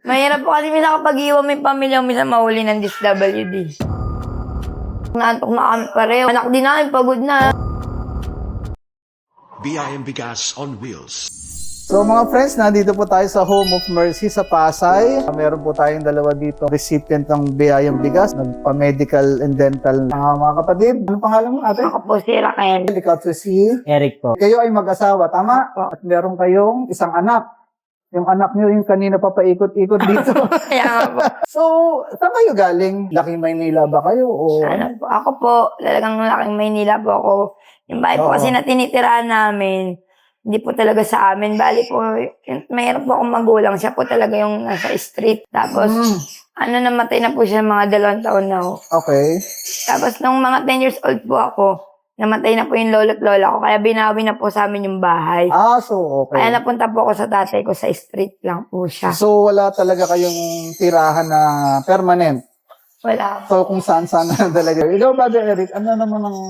Mahirap po kasi minsan kapag iwan mo yung pamilya, minsan mahuli ng DSWD. Naantok na kami pareho. Anak din namin, pagod na. BIM Bigas on Wheels. So mga friends, nandito po tayo sa Home of Mercy sa Pasay. Meron po tayong dalawa dito, recipient ng biyayang bigas, nagpa-medical and dental. Mga kapatid, ano pangalan mo ate? Ako po si Raquel. Ikaw si Eric po. Kayo ay mag-asawa, tama? At meron kayong isang anak. Yung anak niyo yung kanina papaikot-ikot dito. Kaya nga po. So, saan kayo galing? Laking Maynila ba kayo? O... Ano po, ako po, talagang laking Maynila po ako. Yung bahay po Oo. kasi na tinitirahan namin, hindi po talaga sa amin. Bali po, mayroon po akong magulang. Siya po talaga yung nasa street. Tapos, namatay na po siya mga 2 taon na ho. Okay. Tapos, nung mga 10 years old po ako, namatay na po yung lolo't lola ko. Kaya binawi na po sa amin yung bahay. So okay. Kaya napunta po ako sa tatay ko sa street lang po siya. So, wala talaga kayong tirahan na permanent. Wala po. So, kung saan-saan na talaga. Ikaw, Brother Eric, ano naman ang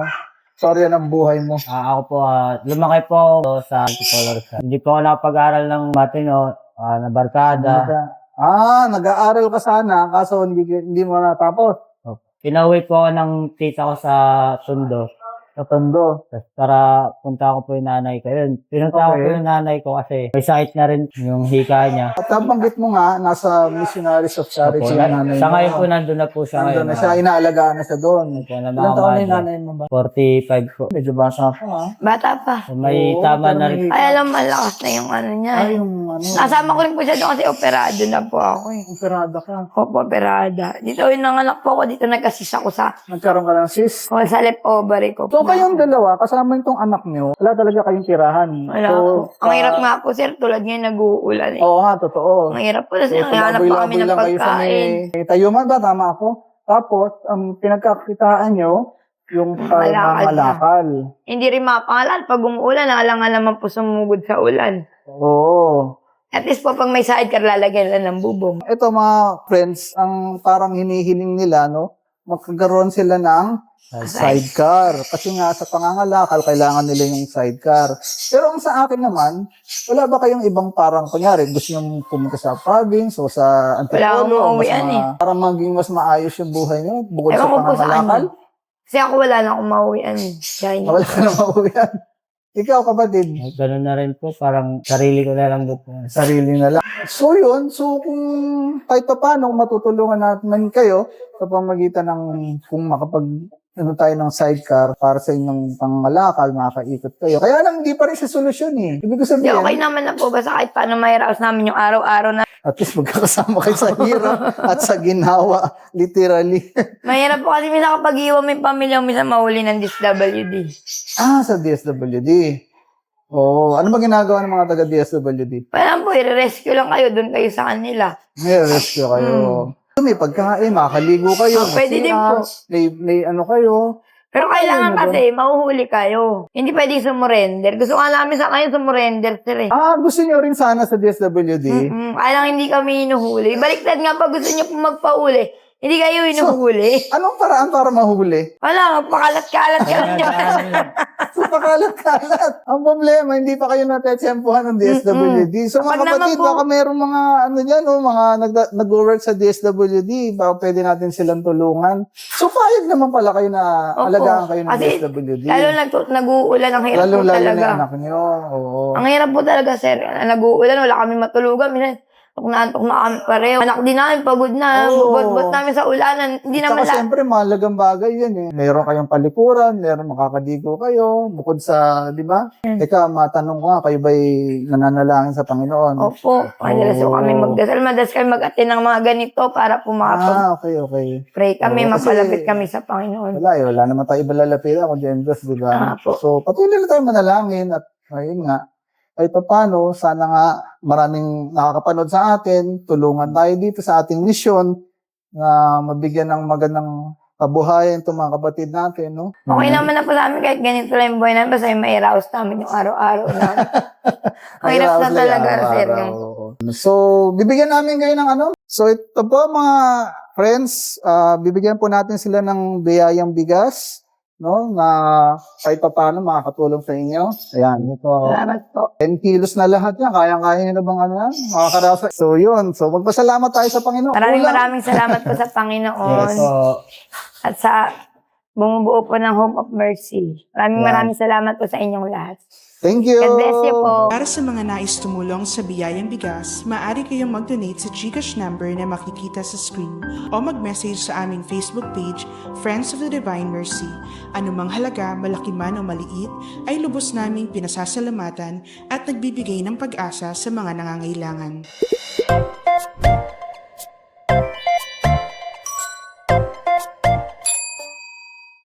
storya ng buhay mo? Ako po, lumaki po ako sa Antipolo. Hindi po ako nakapag-aral ng matino, na barkada. Nag-aaral ka sana, kaso hindi mo natapos. Pinauwi po ako ng tita ko sa Tondo. Sa Tondo. Para punta ko po yung nanay ko. Yun, pinunta ko po yung nanay ko kasi may sakit na rin yung hika niya. At nabanggit mo nga, nasa Missionaries of Charity Opo, yung nanay mo. sa ngayon po, nandun na po siya Nandun ngayon. na siya, inaalagaan na siya doon. Opo, na Ilang taon na yung mga nanay mo ba? 45 po. Medyo bata pa, ha? Bata pa. May Oo, tama pero na rin. may- Ay, alam, malakas na yung ano niya. Ay, yung Nasama ko rin po siya doon kasi operado na po ako eh. operada ka. Opo, operada. Dito yung nanganak po ako, dito nagkasis ako sa, Nagkaroon ka ng cyst. sa left ovary ko. So, kayong dalawa, kasama itong anak niyo, wala talaga kayong tirahan. Wala So, po. Ang hirap nga po, sir, tulad ngayon nag-uulan eh. Oo nga, totoo. Ang hirap po, kasi So, hanap pa kami tumaboy-laboy ng lang kayo sa pagkain. may tayuman ba? Tama ako? Tapos, ang pinagkakitaan nyo, yung Malakal malakal. Hindi rin mapangalan. Pag umuulan, alang naman po sumugod sa ulan. Oo. At least po, pag may sidecar, lalagyan lang ng bubong. Ito mga friends, ang parang hinihiling nila, no? Magkakaroon sila ng sidecar. Kasi nga sa pangangalakal, kailangan nila yung sidecar. Pero ang sa akin naman, wala ba kayong ibang parang, kunyari, gusto nyo pumunta sa province o sa Wala akong Antipolo, mauwian eh. para maging mas maayos yung buhay nyo, bukod Ewan sa ko po sa pangangalakal? ano. Kasi ako wala na akong mauwian eh. Kaya hindi. Wala ka na mauwian. Ikaw, kapatid, Ganun na rin po, parang sarili ko na lang doon. sarili na lang. So yun, so kung kahit pa paano matutulungan natin kayo sa pamagitan ng kung tayo ng sidecar para sa inyong pangalakal, makakaikot kayo. Kaya lang, hindi pa rin siya solusyon eh. Ibig ko Hindi, sabihin, okay naman na po. Basta kahit paano mahiraos namin yung araw-araw na. at least magkakasama kayo sa hirap at sa ginawa, literally. Mahirap po kasi minsan kapag iwan mo yung pamilya, minsan mahuli ng DSWD. Sa DSWD. Oo. Ano ba ginagawa ng mga taga-DSWD? Parang po, i-rescue lang kayo. Doon kayo sa kanila. May rescue kayo. May pagkain, makakaligo kayo. Pwede din po. May ano kayo. Pero kailangan kasi, mahuhuli kayo. Hindi pwede sumurrender. Gusto nga namin sa kayo sumurrender, sir eh. Gusto niyo rin sana sa DSWD. Kaya lang hindi kami hinuhuli. Baliktad nga pag gusto niyo po magpauli. Hindi kayo hinuhuli. Anong paraan para mahuli? Wala, pakalat-kalat ka lang niya. So, pakalat-kalat. Ang problema, hindi pa kayo natetsempuhan ng DSWD. So, Kapag mga kapatid, naman po- baka mayroong mga, mga nag-work sa DSWD, baka pwede natin silang tulungan. So, payag naman pala kayo na Opo. alagaan kayo ng Kasi DSWD. Lalo nag-uulan, ang hirap po Lalo na talaga. yung anak niyo. Oo. Ang hirap po talaga, sir. Nag-uulan, wala kami matulugan. Minsan, antok na kami pareho. Anak din namin, pagod na. Oo. Bot namin sa ulanan. Hindi naman Saka siyempre, mahalagang bagay yan eh. Meron kayong palikuran, meron makakadigo kayo, bukod sa, di ba? Teka, matanong ko nga, kayo ba'y nananalangin sa Panginoon? Opo. Madalas po kami magdasal. Madalas kami mag-attend ng mga ganito para po makapag-pray Okay. kami, Oo, kasi- mapalapit kami sa Panginoon. Wala naman tayo iba lalapitan kung Diyos, di ba? Opo. So, patuloy na tayo manalangin at ayun nga, ay paano, sana nga maraming nakakapanood sa atin, tulungan tayo dito sa ating misyon na mabigyan ng magandang kabuhayan itong mga kapatid natin, no? Okay naman na po sa amin kahit ganito lang yung buhay namin. Basta yung mairaos namin yung araw-araw namin. Ang hirap na Araw-araw, talaga, sir. araw-araw. Yung So, bibigyan namin kayo ng ano? So, ito po mga friends, bibigyan po natin sila ng biyayang bigas. no, na kahit pa paano makakatulong sa inyo. Ayan. Po. Salamat po. 10 kilos na lahat yan. Kaya-kaya nyo na bang ano yan? Makakarasa. So, yun. So, magpasalamat tayo sa Panginoon. Maraming salamat po sa Panginoon. Yes po. At sa bumubuo po ng Home of Mercy. Maraming salamat po sa inyong lahat. Thank you. God bless you po. Para sa mga nais tumulong sa biyayang bigas, maaari kayong mag-donate sa GCash number na makikita sa screen o mag-message sa aming Facebook page, Friends of the Divine Mercy. Anumang halaga, malaki man o maliit, ay lubos naming pinasasalamatan at nagbibigay ng pag-asa sa mga nangangailangan.